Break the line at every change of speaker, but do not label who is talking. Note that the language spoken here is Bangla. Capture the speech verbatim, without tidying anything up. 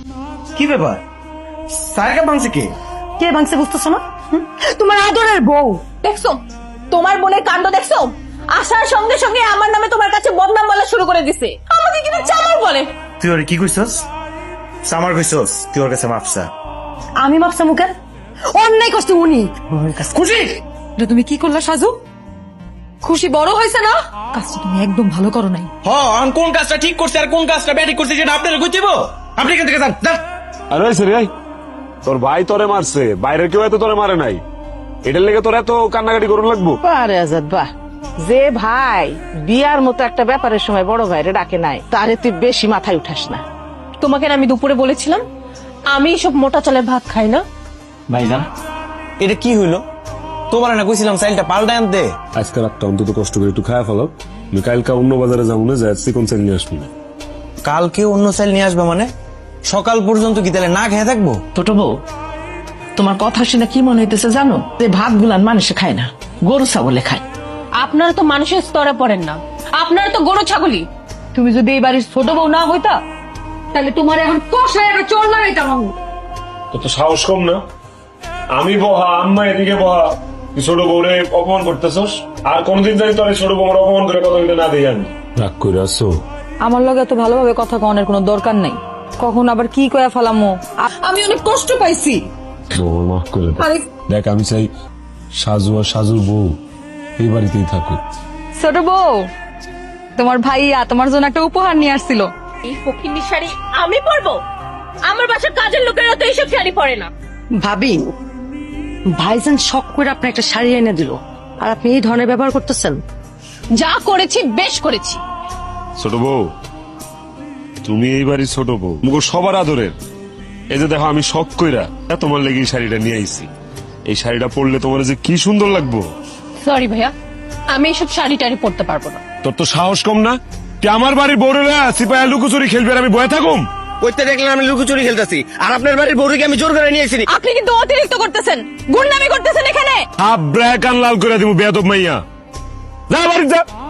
কি ব্যাপার? স্যারকে ভাঙছে কে?
কে ভাঙছে বুঝতেছো না? হুম? তোমার আদরের বউ।
দেখছো তোমার বোনের কাণ্ড দেখছো? আসার সঙ্গে সঙ্গে আমার নামে তোমার কাছে বদনাম বলা শুরু করে দিছে। আমাকে কিন্তু চামার বলে।
তুই ওরে কি কইছস? সামার কইছস? তুই ওর কাছে মাপসা।
আমি ভাবছি মুখে অন্যায় করছে উনি।
খুশি?
এটা তুমি কি করলা সাজু? খুশি বড় হয়েছে না? কাজটা তুমি একদম ভালো করো নাই।
হ্যাঁ, আমি কোন কাজটা ঠিক করছি আর কোন কাজটা ব্যাঠিক করছি সেটা আপনারা কই দিব? আপনি এখান থেকে যান, যান।
আরে সে রে, তোর ভাই তোরে মারছে, বাইরের কেউ এত তোরে মারে নাই, এটার লেগে তোর এত কান্নাকাটি করুন লাগবো?
আরে আজাদ বাহ, যে ভাই বিয়ার মতো একটা ব্যাপারের সময় বড় ভাইরে ডাকে নাই, তারে তুই বেশি মাথায় উঠাস না।
তোমাকে না আমি দুপুরে বলেছিলাম আমি সব মোটা চালের ভাত খাই না।
ভাইজান এটা কি হইলো? তোমার না কইছিলাম চাইলটা পাল্টায় আনতে।
আজকে রাতটা অন্তত কষ্ট করে একটু খায়া ফেলো, আমি কালকা অন্য বাজারে যাবো না, যাই চিকন চাল নিয়ে আসবো না।
কালকে অন্য চাইল নিয়ে আসবে মানে? সকাল পর্যন্ত কি তাহলে না খেয়ে থাকবো?
ছোট বউ, তোমার কথা শুনে কি মনে হইতেছে জানো? যে ভাত গুলান মানুষে খায় না, গরু ছাগলে খায়।
আপনারা তো মানুষের স্তরে পড়েন না, আপনারা তো গরু ছাগলি।
তুমি যদি এই বাড়ির ছোট বউ না হইতা তাহলে তোমার এখন কষায় একটা চোর লাগাইতাম আমি।
তো তো সাহস কম না? আমি বহা, আম্মা এদিকে বহা, তুই ছোট বউরে অপমান করতেছস, আর কোনদিন জানি তোর ছোট বউর অপমান করে কথা বলতে না দিই আমি। রাগ করে আসো?
আমার লগে এত ভালোভাবে কথা কনের কোনো দরকার নাই। কখন আবার কি কয়া ফেলামো। আমি অনেক কষ্ট পাইছি।
মাফ করে দে। দেখ আমি চাই সাজু আর সাজুর বউ এই বাড়িতেই থাকুক।
ছোট বউ, তোমার ভাইয়া তোমার জন্য একটা উপহার নিয়ে আসছিল।
এই ফকিন্নি শাড়ি আমি পরবো? আমার বাসার কাজের লোকেরা তো এইসব শাড়ি পরে না।
ভাবি, ভাইজান শখ করে আপনার একটা শাড়ি এনে দিল আর আপনি এই ধরনের ব্যবহার করতেছেন।
যা করেছি বেশ করেছি।
ছোট বউ, তুমি এই বাড়ির ছোট বউ, মুখ সবার আদরের। এই যে দেখো আমি শখ কইরা তোমার লেগে এই শাড়িটা নিয়ে আইছি, এই শাড়িটা পরলে তোমার যে কি সুন্দর লাগবো।
সরি ভাইয়া, আমি এইসব শাড়ি টাড়ি পরতে পারবো না।
তোর তো সাহস কম না? তুই আমার বাড়ির বউরেরা সিপাহা লুকোচুরি খেলবে আর আমি বয়ে থাকুম?
কইতে দেখলেন আমি লুকোচুরি খেলতেছি, আর আপনার বাড়ির বউকে আমি জোর করে নিয়ে আসিনি।
আপনি কিন্তু অতিরিক্ত করতেছেন, গুন্ডামি করতেছেন এখানে।
হাফ ব্র্যাক আন লাল করে দিব বেয়াদব মাইয়া। যা বাড়ি যা।